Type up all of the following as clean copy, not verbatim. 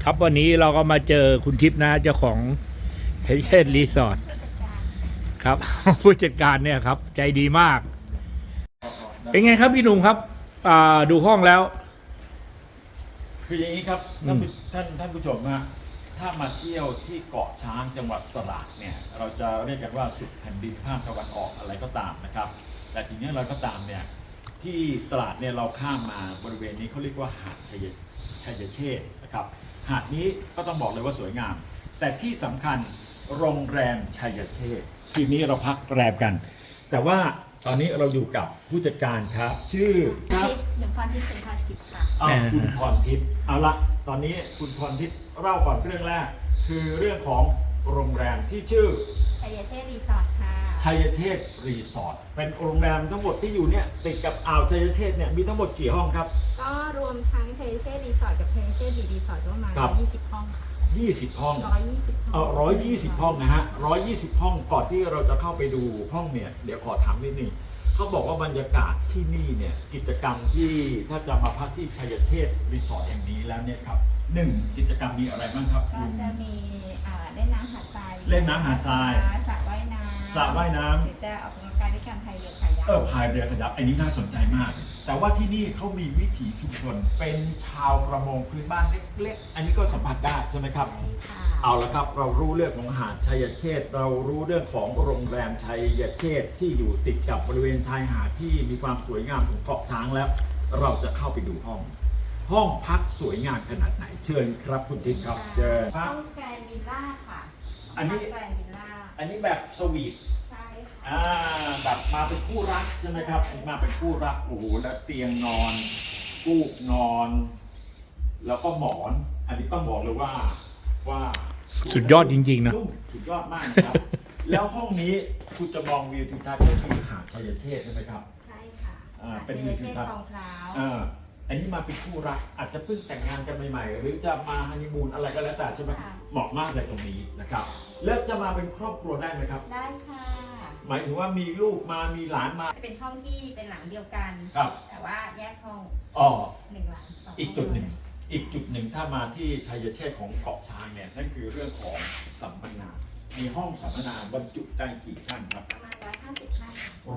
ครับวันนี้เราก็มาเจอคุณทิพย์นะเจ้าของเฮเชสรีสอร์ทครับ ผู้จัดการเนี่ยครับ ใจดีมาก เป็นไงครับพี่หนุ่มครับดูห้องแล้วคืออย่างนี้ครับท่านผู้ชมนะถ้ามาเที่ยวที่เกาะช้างจังหวัดตราดเนี่ยเราจะเรียกกันว่าสุดแผ่นดินภาคตะวันออกอะไรก็ตามนะครับแต่จริงๆเราก็ตามเนี่ยที่ตราดเนี่ยเราข้ามมาบริเวณนี้เขาเรียกว่าหาดชัยเชษฐ์นะครับหาดนี้ก็ต้องบอกเลยว่าสวยงาม แต่ที่สำคัญโรงแรมชัยเชษฐ์ทีนี้เราพักแรมกัน แต่ว่าตอนนี้เราอยู่กับผู้จัดการครับชื่อครับหนึ่งพรทิพย์เป็นพรทิพย์ค่ะคุณพรทิพย์เอาละตอนนี้คุณพรทิพย์เล่าก่อนเรื่องแรก คือเรื่องของโรงแรมที่ชื่อชัยเชษฐ์รีสอร์ทค่ะชัยเชษฐ์รีสอร์ทเป็นโรงแรมทั้งหมดที่อยู่เนี่ยติดกับอ่าวชัยเชษฐ์เนี่ยมีทั้งหมดกี่ห้องครับก็รวมทั้งชัยเชษฐ์รีสอร์ทกับชัยเชษฐ์รีสอร์ทก็ประมาณครับ 120 ห้องค่ะ 20 ห้อง 120 ห้อง 120 ห้องนะฮะ120 ห้องก่อนที่เราจะเข้าไปดูห้องเนี่ยเดี๋ยวขอถามนิดนึงเขาบอกว่าบรรยากาศที่นี่เนี่ยกิจกรรมที่ถ้าจะมาพักที่ชัยเชษฐ์รีสอร์ทแห่งนี้แล้วเนี่ยครับ1กิจกรรมมีอะไรบ้างครับก็จะมีเล่นน้ำหาดทรายเล่นน้ำหาดทรายสระว่ายน้ำสระว่ายน้ำหรือจะออกกำลังกายด้วยการพายเรือคายัคพายเรือขยับอันนี้น่าสนใจมาก แต่ว่าที่นี่เขามีวิถีชุมชนเป็นชาวประมงพื้นบ้านเล็กๆ อันนี้ก็สัมผัสได้ใช่ไหมครับใช่ค่ะเอาละครับเรารู้เรื่องของหาดชัยเชษฐ์เรารู้เรื่องของโรงแรมชัยเชษฐ์ที่อยู่ติดกับบริเวณชายหาดที่มีความสวยงามของเกาะช้างแล้ว เราจะเข้าไปดูห้องพักสวยงามขนาดไหนเชิญครับคุณทิพย์ครับเชิญคห้รัอบ งแกรนด์วิลล่าค่ะอันนี้แกรนด์วิลล่าอันนี้แบบสวีทใช่ค่ะแบบมาเป็นคู่รักใช่ไหมครับมาเป็นคู่รักโอ้โหแล้วเตียงนอนฟูกนอน แล้วก็หมอน อันนี้ต้องบอกเลยว่าสุดยอดจริงๆนะนุ่มสุดยอดมากนะครับ แล้วห้องนี้คุณจะมองวิวทิวทัศน์ก็คือหาดชัยเชษฐ์ใช่ไหมครับใช่ค่ะเป็นชัยเชษฐ์คลองพร้าวอันนี้มาเป็นคู่รักอาจจะเพิ่งแต่งงานกันใหม่ๆ หรือจะมาฮันนีมูนอะไรก็แล้วแต่ใช่ไหมเหมาะมากเลยตรงนี้นะครับแล้วจะมาเป็นครอบครัวได้ไหมครับได้ค่ะหมายถึงว่ามีลูกมามีหลานมาจะเป็นห้องที่เป็นหลังเดียวกันครับแต่ว่าแยกห้องอ๋อหนึ่งหลังสองอีกจุดหนึ่งถ้ามาที่ชัยเชษฐ์ของเกาะช้างเนี่ยนั่นคือเรื่องของสัมมนา มีห้องสัมมนาบรรจุได้กี่ท่านครับประมาณ150 ท่าน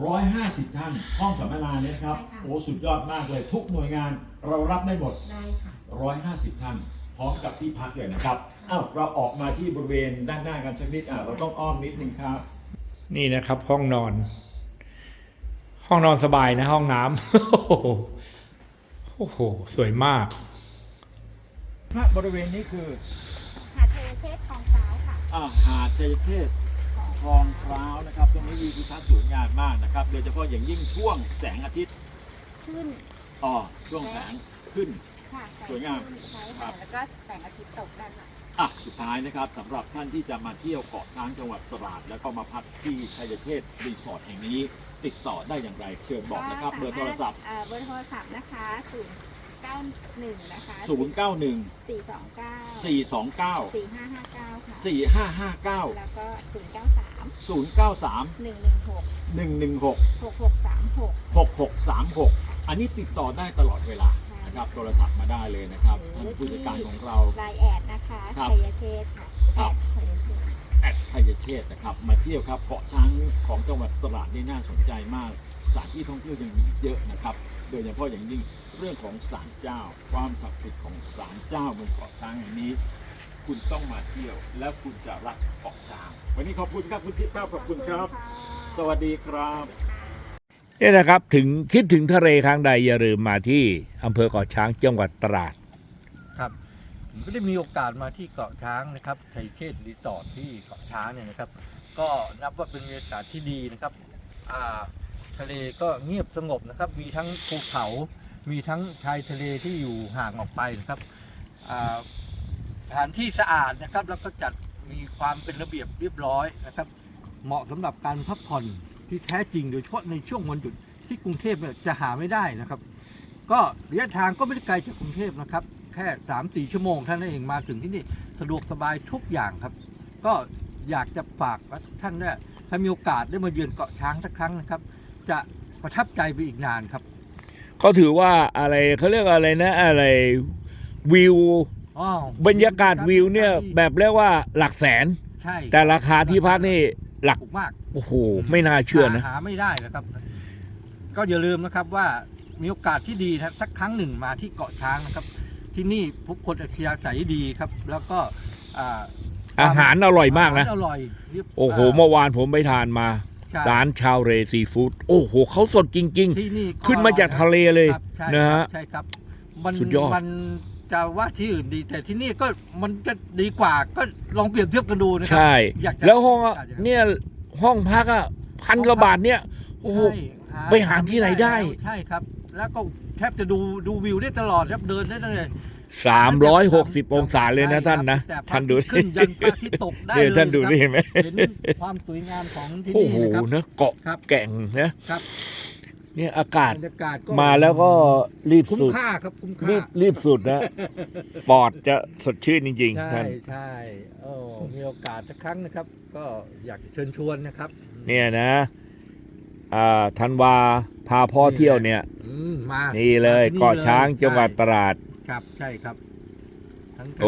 150 ท่าน ห้องสัมมนาเนี่ยครับใช่ค่ะโอ้สุดยอดมากเลยทุกหน่วยงานเรารับได้หมดได้ค่ะ 150 ท่าน พร้อมกับที่พักเลยนะครับอ้าวเราออกมาที่บริเวณด้านหน้ากันสักนิดเราต้องอ้อมนิดนึงครับนี่นะครับ ห้องนอน ห้องนอนสบายนะ ห้องน้ำ โอ้โหสวยมากณบริเวณนี้คือหาดชัยเชษฐ์คลองพร้าวค่ะหาดชัยเชษฐ์คลองพร้าวนะครับตรงนี้วิวทิวทัศน์สวยงามมากนะครับโดยเฉพาะอย่างยิ่งช่วงแสงอาทิตย์ขึ้นช่วงแสงขึ้นค่ะสวยงามใช่ครัค่ะบแล้วก็แสงอาทิตย์ตกด้านหลังสุดท้ายนะครับสำหรับท่านที่จะมาเที่ยวเกาะช้างจังหวัดตราดแล้วก็มาพักที่ชัยเชษฐ์รีสอร์ทแห่งนี้ ติดต่อได้อย่างไรเชิญบอกนะครับเบอร์โทรศัพท์เบอร์โทรศัพท์นะคะ091นะคะ 091 429 429 4559 ค่ะ 4559 แล้วก็ 093 093 116 116 6636 6636 อันนี้ติดต่อได้ตลอดเวลานะครับโทรศัพท์มาได้เลยนะครับท่านผู้จัดการของเราไลน์แอดนะคะครับชัยเชษฐ์ค่ะครับแอดชัยเชษฐ์ชัยเชษฐ์นะครับมาเที่ยวครับเกาะช้างของจังหวัดตราดนี่น่าสนใจมากสถานที่ท่องเที่ยวยังมีอีกเยอะนะครับโดยเฉพาะอย่างยิ่งเรื่องของศาลเจ้า ความศักดิ์สิทธิ์ของศาลเจ้าบนเกาะช้างแห่งนี้ คุณต้องมาเที่ยวแล้วคุณจะรักเกาะช้างวันนี้ขอบคุณครับคุณทิพย์ครับขอบคุณครับ สวัสดีครับเนี่ยนะครับถึงคิดถึงทะเลครั้งใดอย่าลืมมาที่อำเภอเกาะช้างจังหวัดตราดครับผมก็ได้มีโอกาสมาที่เกาะช้างนะครับชัยเชษฐ์รีสอร์ทที่เกาะช้างเนี่ยนะครับ ก็นับว่าเป็นบรรยากาศที่ดีนะครับทะเลก็เงียบสงบนะครับมีทั้งภูเขามีทั้งชายทะเลที่อยู่ห่างออกไปนะครับสถานที่สะอาดนะครับแล้วก็จัดมีความเป็นระเบียบเรียบร้อยนะครับเหมาะสำหรับการพักผ่อนที่แท้จริงโดยเฉพาะในช่วงวันหยุดที่กรุงเทพเนี่ยจะหาไม่ได้นะครับ ก็ระยะทางก็ไม่ได้ไกลจากกรุงเทพนะครับแค่ 3-4 ชั่วโมงเท่านั้นเองมาถึงที่นี่สะดวกสบายทุกอย่างครับ ก็อยากจะฝากท่านเนี่ยถ้ามีโอกาสได้มาเยือนเกาะช้างสักครั้งนะครับ จะประทับใจไปอีกนานครับเขาถือว่าอะไรเขาเรียกอะไรนะอะไรวิวอ๋อบรรยากาศวิวเนี่ยแบบเรียกว่าหลักแสนใช่แต่ราคาที่พักนี่หลักถูกมากโอ้โหไม่น่าเชื่อนะหาไม่ได้นะครับ ก็อย่าลืมนะครับว่ามีโอกาสที่ดีนะสักครั้งหนึ่งมาที่เกาะช้างนะครับ ที่นี่ผู้คนอัธยาศัยดีครับ แล้วก็อาหารอร่อยมากนะอาหารอร่อยเรียบโอ้โหเมื่อวานผมไปทานมาใช่ร้านชาวเรซีฟู้ดโอ้โหเขาสดจริงที่นี่ๆ ขึ้นมาจากทะเลเลยครับใช่นะครัฮะบใช่ครับมันสุดยอดมันจะว่าที่อื่นดี แต่ที่นี่ก็มันจะดีกว่าก็ลองเปรียบเทียบกันดูนะครัใช่อยากจะแล้วห้องอะอยากจะเนี่ยห้องพักอ่ะพันกว่าบาทเนี่ยโอ้โหใช่ไปหาที่ไหนได้ใช่ครับ แล้วก็แทบจะดูวิวได้ตลอดครับเดินได้เลย 360 องศาเลยนะท่านนะแต่พระท่านดูอทิตย์ขึ้นยันพระอาทิตย์ตกได้เนี่ยเลยท่านดูครับนี่เห็นไหมเห็นความสวยงามของที่โอ้นี่โหนะครับนะเกาะครับแก่งนะครับ เนี่ยอากาศบรรยากาศก็มาแล้วก็รีบคุ้มสุดค่าครับคุ้มค่ารีบสุดนะปอดจะสดชื่นจริงๆใช่ท่านใช่โอ้มีโอกาสสักครั้งนะครับ ก็อยากจะเชิญชวนนะครับเนี่ยนะธันวาพาพ่อเที่ยวเนี่ยมานี่เลยมาที่เกาะช้างจังหวัดใช่ตราดครับใช่ครับทั้ง